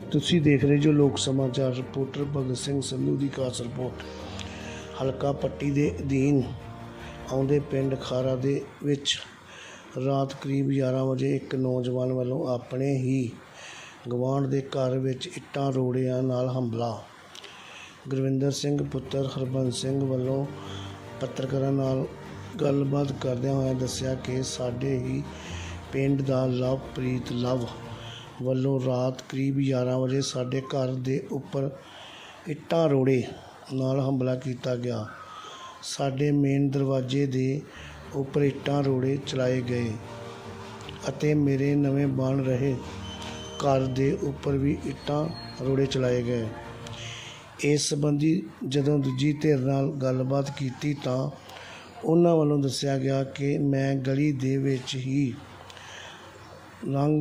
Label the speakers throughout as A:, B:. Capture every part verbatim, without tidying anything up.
A: ਤੁਸੀਂ ਦੇਖ ਰਹੇ ਜੋ ਲੋਕ ਸਮਾਚਾਰ। ਰਿਪੋਰਟਰ ਭਗਤ ਸਿੰਘ ਸੰਧੂ ਦੀ ਖਾਸ ਰਿਪੋਰਟ। ਹਲਕਾ ਪੱਟੀ ਦੇ ਅਧੀਨ ਆਉਂਦੇ ਪਿੰਡ ਖਾਰਾ ਦੇ ਵਿੱਚ ਰਾਤ ਕਰੀਬ ਗਿਆਰਾਂ ਵਜੇ ਇੱਕ ਨੌਜਵਾਨ ਵੱਲੋਂ ਆਪਣੇ ਹੀ ਗਵਾਂਢ ਦੇ ਘਰ ਵਿੱਚ ਇੱਟਾਂ ਰੋੜਿਆਂ ਨਾਲ ਹਮਲਾ। ਗੁਰਵਿੰਦਰ ਸਿੰਘ ਪੁੱਤਰ ਹਰਬੰਸ ਸਿੰਘ ਵੱਲੋਂ ਪੱਤਰਕਾਰਾਂ ਨਾਲ ਗੱਲਬਾਤ ਕਰਦਿਆਂ ਹੋਇਆ ਦੱਸਿਆ ਕਿ ਸਾਡੇ ਹੀ ਪਿੰਡ ਦਾ ਲਵਪ੍ਰੀਤ ਲਵ ਵੱਲੋਂ ਰਾਤ ਕਰੀਬ ਗਿਆਰਾਂ ਵਜੇ ਸਾਡੇ ਘਰ ਦੇ ਉੱਪਰ ਇੱਟਾਂ ਰੋੜੇ ਨਾਲ ਹਮਲਾ ਕੀਤਾ ਗਿਆ। ਸਾਡੇ ਮੇਨ ਦਰਵਾਜ਼ੇ ਦੇ ਉੱਪਰ ਇੱਟਾਂ ਰੋੜੇ ਚਲਾਏ ਗਏ ਅਤੇ ਮੇਰੇ ਨਵੇਂ ਬਣ ਰਹੇ ਘਰ ਦੇ ਉੱਪਰ ਵੀ ਇੱਟਾਂ ਰੋੜੇ ਚਲਾਏ ਗਏ। ਇਸ ਸੰਬੰਧੀ ਜਦੋਂ ਦੂਜੀ ਧਿਰ ਨਾਲ ਗੱਲਬਾਤ ਕੀਤੀ ਤਾਂ ਉਹਨਾਂ ਵੱਲੋਂ ਦੱਸਿਆ ਗਿਆ ਕਿ ਮੈਂ ਗਲੀ ਦੇ ਵਿੱਚ ਹੀ ਲੰਘ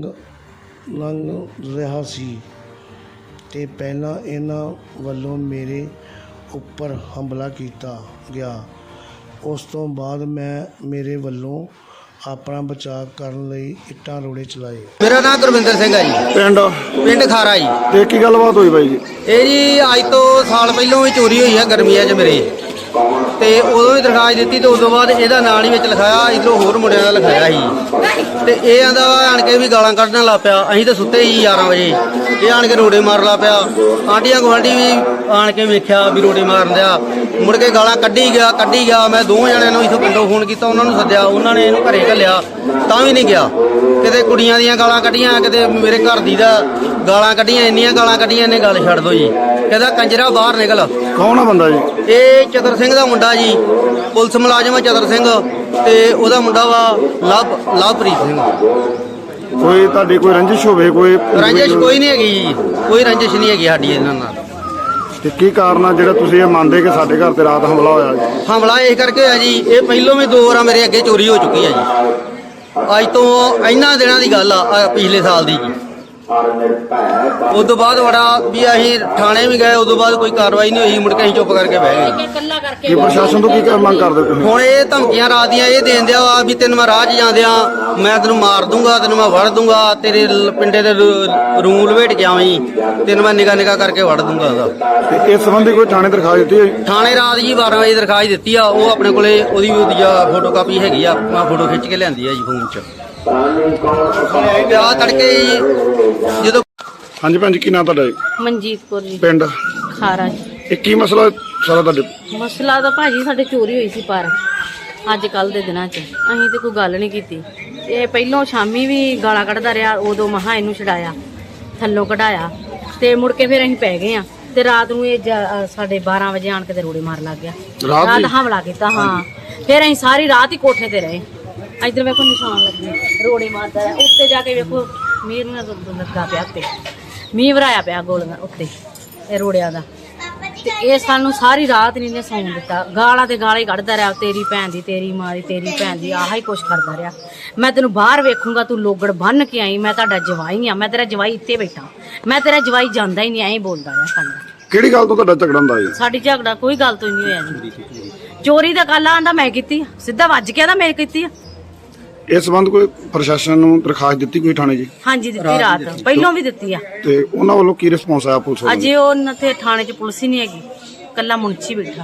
A: ਲੰਘ ਰਿਹਾ ਸੀ ਅਤੇ ਪਹਿਲਾਂ ਇਹਨਾਂ ਵੱਲੋਂ ਮੇਰੇ ਉੱਪਰ ਹਮਲਾ ਕੀਤਾ ਗਿਆ। ਉਸ ਤੋਂ ਬਾਅਦ ਮੈਂ ਮੇਰੇ ਵੱਲੋਂ ਆਪਣਾ ਬਚਾਅ ਕਰਨ ਲਈ ਇੱਟਾਂ ਰੋੜੇ ਚਲਾਏ।
B: ਮੇਰਾ ਨਾਮ ਗੁਰਵਿੰਦਰ ਸਿੰਘ ਹੈ ਜੀ।
C: ਪਿੰਡ
B: ਪਿੰਡ ਖਾਰਾ ਜੀ।
C: ਤੇ ਕੀ ਗੱਲਬਾਤ ਹੋਈ ਬਾਈ ਜੀ?
B: ਇਹ ਜੀ ਅੱਜ ਤੋਂ ਸਾਲ ਪਹਿਲਾਂ ਹੀ ਚੋਰੀ ਹੋਈ ਹੈ ਗਰਮੀਆਂ 'ਚ ਮੇਰੇ, ਤੇ ਉਦੋਂ ਹੀ ਦਰਖਾਸਤ ਦਿੱਤੀ ਤੇ ਉਸ ਤੋਂ ਬਾਅਦ ਇਹਦਾ ਨਾਂ ਨਹੀਂ ਵਿੱਚ ਲਿਖਾਇਆ, ਇੱਧਰੋਂ ਹੋਰ ਮੁੰਡਿਆਂ ਦਾ ਲਿਖਾਇਆ ਸੀ। ਤੇ ਇਹ ਆਂਦਾ ਆਣ ਕੇ ਵੀ ਗਾਲਾਂ ਕੱਢਣ ਲੱਗ ਪਿਆ। ਅਸੀਂ ਤਾਂ ਸੁੱਤੇ ਹੀ ਗਿਆਰਾਂ ਵਜੇ, ਇਹ ਆਣ ਕੇ ਰੋੜੇ ਮਾਰਨ ਲੱਗ ਪਿਆ। ਆਂਢੀਆਂ ਗੁਆਂਢੀ ਵੀ ਆਣ ਕੇ ਵੇਖਿਆ ਵੀ ਰੋੜੇ ਮਾਰਨ ਦਿਆ, ਮੁੜ ਕੇ ਗਾਲਾਂ ਕੱਢੀ ਗਿਆ ਕੱਢੀ ਗਿਆ ਮੈਂ ਦੋ ਜਣਿਆਂ ਨੂੰ ਇੱਥੋਂ ਪਿੰਡੋਂ ਫੋਨ ਕੀਤਾ, ਉਹਨਾਂ ਨੂੰ ਸੱਦਿਆ, ਉਹਨਾਂ ਨੇ ਇਹਨੂੰ ਘਰੇ ਘੱਲਿਆ ਤਾਂ ਵੀ ਨਹੀਂ ਗਿਆ। ਕਿਤੇ ਕੁੜੀਆਂ ਦੀਆਂ ਗਾਲਾਂ ਕੱਢੀਆਂ, ਕਿਤੇ ਮੇਰੇ ਘਰ ਦੀ ਦਾ ਗਾਲਾਂ ਕੱਢੀਆਂ, ਇੰਨੀਆਂ ਗਾਲਾਂ ਕੱਢੀਆਂ ਇਹਨੇ ਗੱਲ ਛੱਡ ਦੋ ਜੀ। ਕਹਿੰਦਾ ਕੰਜਰਾ ਬਾਹਰ ਨਿਕਲ।
C: ਕੌਣ ਆ ਬੰਦਾ ਜੀ?
B: ਇਹ ਚਤਰ ਸਿੰਘ ਦਾ ਮੁੰਡਾ ਜੀ, ਪੁਲਿਸ ਮੁਲਾਜ਼ਮ ਆ ਚਤਰ ਸਿੰਘ, ਤੇ ਉਹਦਾ ਮੁੰਡਾ ਵਾ ਲਵ ਲਵਪ੍ਰੀਤ ਸਿੰਘ।
C: ਕੋਈ ਤੁਹਾਡੀ ਕੋਈ ਰੰਜਿਸ਼ ਹੋਵੇ? ਕੋਈ
B: ਰੰਜਿਸ਼ ਕੋਈ ਨਹੀਂ ਹੈਗੀ ਜੀ, ਕੋਈ ਰੰਜਿਸ਼ ਨਹੀਂ ਹੈਗੀ ਸਾਡੀ ਇਹਨਾਂ ਨਾਲ।
C: ਤੇ ਕੀ ਕਾਰਨ ਆ ਜਿਹੜਾ ਤੁਸੀਂ ਇਹ ਮੰਨਦੇ ਕਿ ਸਾਡੇ ਘਰ ਤੇ ਰਾਤ ਹਮਲਾ ਹੋਇਆ ਜੀ?
B: ਹਮਲਾ ਇਸ ਕਰਕੇ ਹੋਇਆ ਜੀ, ਇਹ ਪਹਿਲੋਂ ਵੀ ਦੋ ਵਾਰਾਂ ਮੇਰੇ ਅੱਗੇ ਚੋਰੀ ਹੋ ਚੁੱਕੀ ਹੈ ਜੀ। ਅੱਜ ਤੋਂ ਇਹਨਾਂ ਦਿਨਾਂ ਦੀ ਗੱਲ ਆ, ਪਿਛਲੇ ਸਾਲ ਦੀ ਜੀ। ਉਸ ਤੋਂ ਬਾਅਦ ਬੜਾ ਵੀ ਅਸੀਂ ਥਾਣੇ ਵੀ ਗਏ, ਉਦੋਂ ਬਾਅਦ ਕੋਈ ਕਾਰਵਾਈ ਨਹੀਂ ਹੋਈ, ਮੁੜ ਕੇ ਅਸੀਂ ਚੁੱਪ ਕਰਕੇ ਬਹਿ ਗਏ।
C: ਕੀ ਪ੍ਰਸ਼ਾਸਨ ਤੋਂ ਕੀ ਮੰਗ ਕਰਦੇ ਤੁਸੀਂ?
B: ਹੁਣ ਇਹ ਧਮਕੀਆਂ ਰਾਤ ਦੀਆਂ ਇਹ ਦੇਣ ਦਿਆ ਵਾ ਵੀ ਤੈਨੂੰ ਮੈਂ ਰਾਹ 'ਚ ਜਾਂਦਿਆਂ ਮੈਂ ਤੈਨੂੰ ਮਾਰ ਦੂੰਗਾ, ਤੈਨੂੰ ਮੈਂ ਵੜ ਦੂੰਗਾ, ਤੇਰੇ ਲ- ਪਿੰਡੇ ਦੇ ਰੂਲ ਲਵੇਟ ਕੇ ਆਵੀਂ, ਤੈਨੂੰ ਮੈਂ ਨਿਗਾਹ ਨਿਗਾਹ ਕਰਕੇ ਵੜ ਦੂੰਗਾ ਉਹਦਾ।
C: ਤੇ ਇਸ ਸੰਬੰਧੀ ਕੋਈ ਥਾਣੇ ਦਰਖਾਸਤ ਦਿੱਤੀ ਹੈ?
B: ਥਾਣੇ ਰਾਤ ਜੀ ਬਾਰਾਂ ਵਜੇ ਦਰਖਾਸਤ ਦਿੱਤੀ ਆ, ਉਹ ਆਪਣੇ ਕੋਲੇ ਉਹਦੀ ਉਹਦੀ ਫੋਟੋ ਕਾਪੀ ਹੈਗੀ ਆ, ਮੈਂ ਫੋਟੋ ਖਿੱਚ ਕੇ ਲਿਆਂਦੀ ਆ ਜੀ ਫੋਨ 'ਚ। ਆ ਤੜਕੇ ਜਦੋਂ
C: ਹਾਂਜੀ ਭੈਣ ਜੀ, ਕੀ ਨਾਂ ਤੁਹਾਡਾ ਜੀ?
D: ਮਨਜੀਤ ਕੌਰ ਜੀ,
C: ਪਿੰਡ
D: ਖਾਰਾ ਜੀ।
C: ਇਹ ਕੀ ਮਸਲਾ ਸਾਰਾ ਤੁਹਾਡੇ?
D: ਮਸਲਾ ਤਾਂ ਭਾਜੀ ਸਾਡੇ ਚੋਰੀ ਹੋਈ ਸੀ, ਪਰ ਅੱਜ ਕੱਲ ਦੇ ਦਿਨਾਂ 'ਚ ਅਸੀਂ ਤੇ ਕੋਈ ਗੱਲ ਨਹੀਂ ਕੀਤੀ। ਇਹ ਪਹਿਲੋਂ ਸ਼ਾਮੀ ਵੀ ਗਾਲਾਂ ਕੱਢਦਾ ਰਿਹਾ, ਉਦੋਂ ਮਹਾ ਇਹਨੂੰ ਛਡਾਇਆ, ਥੱਲੋਂ ਕਢਾਇਆ, ਤੇ ਮੁੜ ਕੇ ਫਿਰ ਅਸੀਂ ਪੈ ਗਏ ਆ। ਤੇ ਰਾਤ ਨੂੰ ਇਹ ਜ- ਸਾਡੇ ਬਾਰਾਂ ਵਜੇ ਆਣ ਕੇ ਤੇ ਰੋੜੇ ਮਾਰ ਲੱਗ ਗਿਆ,
C: ਰਾਤ
D: ਰਾਤ
C: ਨੂੰ?
D: ਹਮਲਾ ਕੀਤਾ। ਹਾਂ, ਫਿਰ ਅਸੀਂ ਸਾਰੀ ਰਾਤ ਹੀ ਕੋਠੇ ਤੇ ਰਹੇ। ਇੱਧਰ ਵੇਖੋ ਨਿਸ਼ਾਨ ਲੱਗੇ, ਰੋੜੇ ਮਾਰਦਾ ਹੈ। ਉੱਤੇ ਜਾ ਕੇ ਵੇਖੋ ਮੀਂਹ ਨਾਲ ਲੱਗਾ ਪਿਆ, ਉੱਤੇ ਮੀਂਹ ਵਰਾਇਆ ਪਿਆ ਗੋਲੀਆਂ ਉੱਤੇ ਇਹ ਰੋੜਿਆਂ ਦਾ। ਤੇ ਇਹ ਸਾਨੂੰ ਸਾਰੀ ਰਾਤ ਨਹੀਂ ਨੇ ਸੌਣ ਦਿੱਤਾ, ਗਾਲਾਂ ਤੇ ਗਾਲਾਂ ਹੀ ਕੱਢਦਾ ਰਿਹਾ, ਤੇਰੀ ਭੈਣ ਦੀ, ਤੇਰੀ ਮਾਂ ਦੀ, ਤੇਰੀ ਭੈਣ ਦੀ, ਆਹ ਹੀ ਕੁਛ ਕਰਦਾ ਰਿਹਾ। ਮੈਂ ਤੈਨੂੰ ਬਾਹਰ ਵੇਖੂੰਗਾ, ਤੂੰ ਲੋਗੜ ਬੰਨ ਕੇ ਆਈ, ਮੈਂ ਤੁਹਾਡਾ ਜਵਾਈ ਆ, ਮੈਂ ਤੇਰਾ ਜਵਾਈ ਇੱਥੇ ਬੈਠਾ, ਮੈਂ ਤੇਰਾ ਜਵਾਈ ਜਾਂਦਾ ਹੀ ਨਹੀਂ, ਐਂ ਬੋਲਦਾ ਰਿਹਾ ਸਾਨੂੰ।
C: ਕਿਹੜੀ ਗੱਲ ਤੋਂ ਤੁਹਾਡਾ ਝਗੜਾ ਹੁੰਦਾ ਜੀ?
D: ਸਾਡੀ ਝਗੜਾ ਕੋਈ ਗੱਲ ਤੋਂ ਨਹੀਂ ਹੋਇਆ ਜੀ। ਚੋਰੀ ਦਾ ਗੱਲ ਆਂਦਾ ਮੈਂ ਕੀਤੀ ਆ, ਸਿੱਧਾ ਵੱਜ ਕੇ ਆਂਦਾ ਮੈਂ ਕੀਤੀ ਆ।
C: ਇਸ ਸੰਬੰਧ ਕੋਈ ਪ੍ਰਸ਼ਾਸਨ ਨੂੰ ਦਰਖਾਸਤ ਦਿੱਤੀ ਕੋਈ ਥਾਣੇ ਜੀ?
D: ਹਾਂਜੀ ਦਿੱਤੀ, ਰਾਤ ਪਹਿਲੋਂ ਵੀ ਦਿੱਤੀ ਆ।
C: ਤੇ ਉਹਨਾਂ ਵੱਲੋਂ ਕੀ ਰਿਸਪੌਂਸ ਆਇਆ ਪੁਲਿਸ ਵੱਲੋਂ?
D: ਅਜੇ ਉਹਨਾਂ ਤੇ ਥਾਣੇ 'ਚ ਪੁਲਿਸ ਹੀ ਨਹੀਂ ਹੈਗੀ, ਕੱਲਾ ਮੁਨਸ਼ੀ ਬੈਠਾ।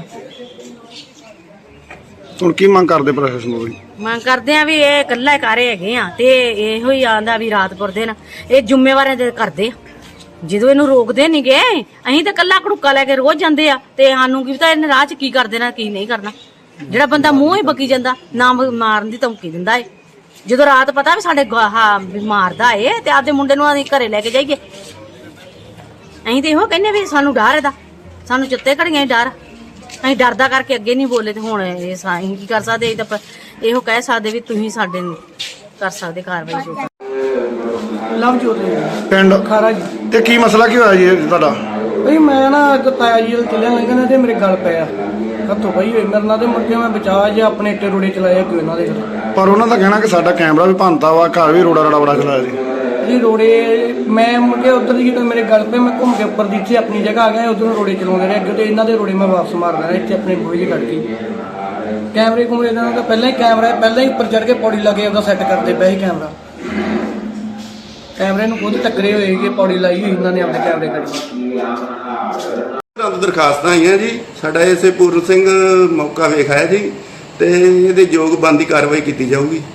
C: ਹੁਣ ਕੀ ਮੰਗ ਕਰਦੇ ਪ੍ਰਸ਼ਾਸਨ ਨੂੰ?
D: ਮੰਗ ਕਰਦੇ ਆ ਵੀ ਇਹ ਇਕੱਲਾ ਕਾਰੇ ਹੈਗੇ ਆ, ਤੇ ਇਹੋ ਹੀ ਆਂਦਾ ਵੀ ਰਾਤ ਪੁਰ ਦਿਨ ਇਹ ਜ਼ਿੰਮੇਵਾਰੀਆਂ ਦੇ ਕਰਦੇ ਆ। ਜਦੋਂ ਇਹਨੂੰ ਰੋਕਦੇ ਨਹੀਂ ਗਏ, ਅਸੀਂ ਤਾਂ ਕੱਲਾ ਘੜੂਕਾ ਲੈ ਕੇ ਰੋਜ਼ ਜਾਂਦੇ ਆ, ਤੇ ਸਾਨੂੰ ਕੀ ਪਤਾ ਇਹਨੇ ਰਾਹ 'ਚ ਕੀ ਕਰ ਦੇਣਾ ਕੀ ਨਹੀਂ ਕਰਨਾ। ਜਿਹੜਾ ਬੰਦਾ ਮੂੰਹ ਹੀ ਬਕੀ ਜਾਂਦਾ, ਨਾ ਮਾਰਨ ਦੀ ਧਮਕੀ ਦਿੰਦਾ ਏ। ਜਦੋਂ ਰਾਤ ਪਤਾ ਵੀ ਸਾਡੇ ਹਾਂ ਵੀ ਮਾਰਦਾ ਏ, ਤੇ ਆਪਦੇ ਮੁੰਡੇ ਨੂੰ ਅਸੀਂ ਘਰੇ ਲੈ ਕੇ ਜਾਈਏ। ਅਸੀਂ ਤੇ ਇਹੋ ਕਹਿੰਦੇ ਵੀ ਸਾਨੂੰ ਡਰ ਇਹਦਾ, ਸਾਨੂੰ ਚਿੱਤੇ ਘੜੀਆਂ ਡਰ, ਅਸੀਂ ਡਰਦਾ ਕਰਕੇ ਅੱਗੇ ਨਹੀਂ ਬੋਲੇ। ਤੇ ਹੁਣ ਇਹ ਅਸੀਂ ਕੀ ਕਰ ਸਕਦੇ? ਅਸੀਂ ਤਾਂ ਇਹੋ ਕਹਿ ਸਕਦੇ ਵੀ ਤੁਸੀਂ ਸਾਡੇ ਕਰ ਸਕਦੇ ਕਾਰਵਾਈ ਜੋ।
E: ਲਵਜੋਤ
C: ਪਿੰਡ
E: ਖਾਰਾ ਜੀ।
C: ਤੇ ਕੀ ਮਸਲਾ ਕੀ ਹੋਇਆ ਜੀ ਇਹ ਤੁਹਾਡਾ?
E: ਬਈ ਮੈਂ ਨਾ ਅੱਜ ਤਾਇਆ ਜੀ ਦੇ ਚੱਲਿਆ ਲੰਘਣਾ ਤੇ ਮੇਰੇ ਗੱਲ ਪਿਆ ਹੱਥੋਂ ਪਈ ਹੋਈ ਮੇਰੇ ਨਾਲ, ਤੇ ਮੁੜ ਕੇ ਮੈਂ ਬਚਾ ਜੇ ਆਪਣੇ ਇੱਟੇ ਰੋੜੇ ਚਲਾਏ ਕਿ ਇਹਨਾਂ ਦੇ ਘਰ।
C: ਪਰ ਉਹਨਾਂ ਦਾ ਕਹਿਣਾ ਕਿ ਸਾਡਾ ਕੈਮਰਾ ਵੀ ਭੰਨਤਾ ਵਾ, ਘਰ ਵੀ ਰੋੜਾ ਰੜਾ ਬੜਾ ਚਲਾਇਆ ਜੀ।
E: ਜੀ ਰੋੜੇ ਮੈਂ ਮੁੜ ਕੇ ਉੱਧਰ ਦੀ ਜਦੋਂ ਮੇਰੇ ਗੱਲ ਪਏ, ਮੈਂ ਘੁੰਮ ਕੇ ਉੱਪਰ ਦੀ ਇੱਥੇ ਆਪਣੀ ਜਗ੍ਹਾ ਆ ਗਿਆ, ਉਧਰੋਂ ਰੋੜੇ ਚਲਾਉਂਦੇ ਰਹੇ ਅੱਗੇ, ਤੇ ਇਹਨਾਂ ਦੇ ਰੋੜੇ ਮੈਂ ਵਾਪਸ ਮਾਰਦਾ ਰਿਹਾ ਇੱਥੇ ਆਪਣੇ ਬੂਹੇ 'ਚ ਕੱਢ ਕੇ। ਕੈਮਰੇ ਕੁਮਰੇ ਦਾ ਤਾਂ ਪਹਿਲਾਂ ਹੀ ਕੈਮਰਾ ਪਹਿਲਾਂ ਹੀ ਉੱਪਰ ਚੜ੍ਹ ਕੇ ਪੌੜੀ ਲਾ ਕੇ ਉਹਦਾ ਸੈੱਟ ਕਰਦੇ ਪਏ ਸੀ ਕੈਮਰਾ। ਕੈਮਰੇ ਨੂੰ ਖੁਦ ਟੱਕਰੇ ਹੋਏ ਕਿ ਪੌੜੀ ਲਾਈ ਹੋਈ ਇਹਨਾਂ ਨੇ ਆਪਣੇ ਕੈਮਰੇ ਕਰੀ।
F: ਸਾਨੂੰ ਦਰਖਾਸਤਾਂ ਆਈਆਂ ਜੀ, ਸਾਡਾ ਐਸੇ ਪੂਰਨ ਸਿੰਘ ਮੌਕਾ ਵੇਖ ਆਇਆ ਜੀ, ਤੇ ਇਹਦੇ ਯੋਗ ਬੰਦੀ ਕਾਰਵਾਈ ਕੀਤੀ ਜਾਊਗੀ।